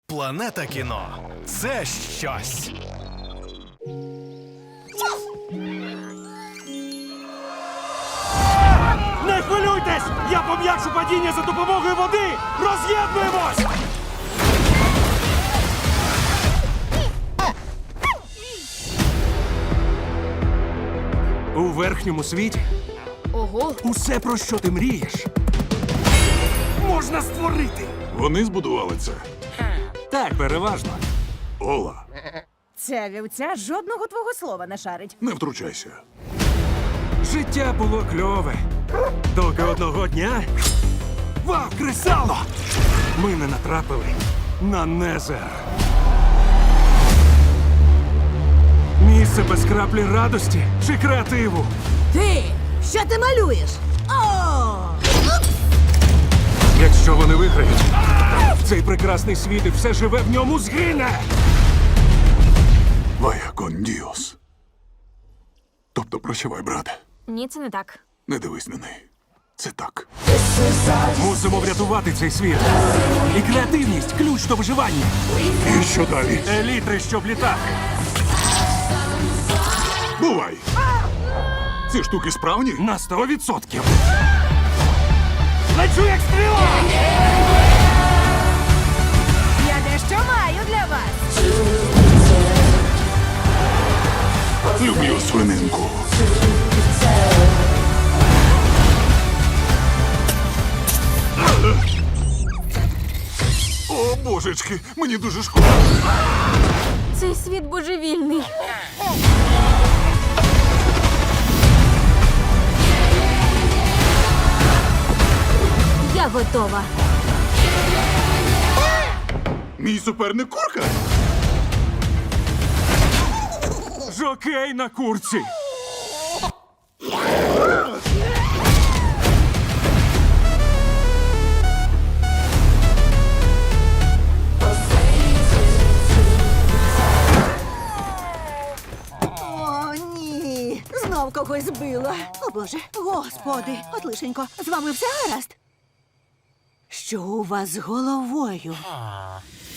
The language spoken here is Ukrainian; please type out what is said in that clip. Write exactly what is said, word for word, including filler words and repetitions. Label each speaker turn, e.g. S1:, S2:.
S1: Планета кіно – це щось.
S2: Не хвилюйтесь! Я пом'якшу падіння за допомогою води! Роз'єднуємось! У верхньому світі
S3: Ого,
S2: усе, про що ти мрієш, можна створити.
S4: Вони збудували це.
S2: Так, переважно.
S4: Ола,
S5: Ця вівця жодного твого слова не шарить.
S4: не втручайся.
S2: Життя було кльове. Доки одного дня... Вау, кресало! Ми не натрапили на Незер. Місце без краплі радості чи креативу.
S5: Ти! Що ти малюєш? О!
S2: Якщо вони виграють, цей прекрасний світ і все живе в ньому згине.
S4: Вая кон діос. Тобто прощавай, брате.
S3: ні, це не так.
S4: Не дивись на неї. Це так.
S2: Мусимо врятувати цей світ. І креативність – ключ до виживання.
S4: І що далі?
S2: Елітри, щоб літати.
S4: Бувай! Ці штуки справні?
S2: На сто відсотків. Лечу як стріла!
S5: Я дещо маю для вас.
S4: Люблю свининку. О, божечки, мені дуже шкода.
S3: Цей світ божевільний. Я готова.
S4: Мій суперник курка.
S2: Жокей на курці.
S5: О, ні. Знов когось збила. О, Боже. Господи, от лишенько, з вами все гаразд? Що у вас з головою?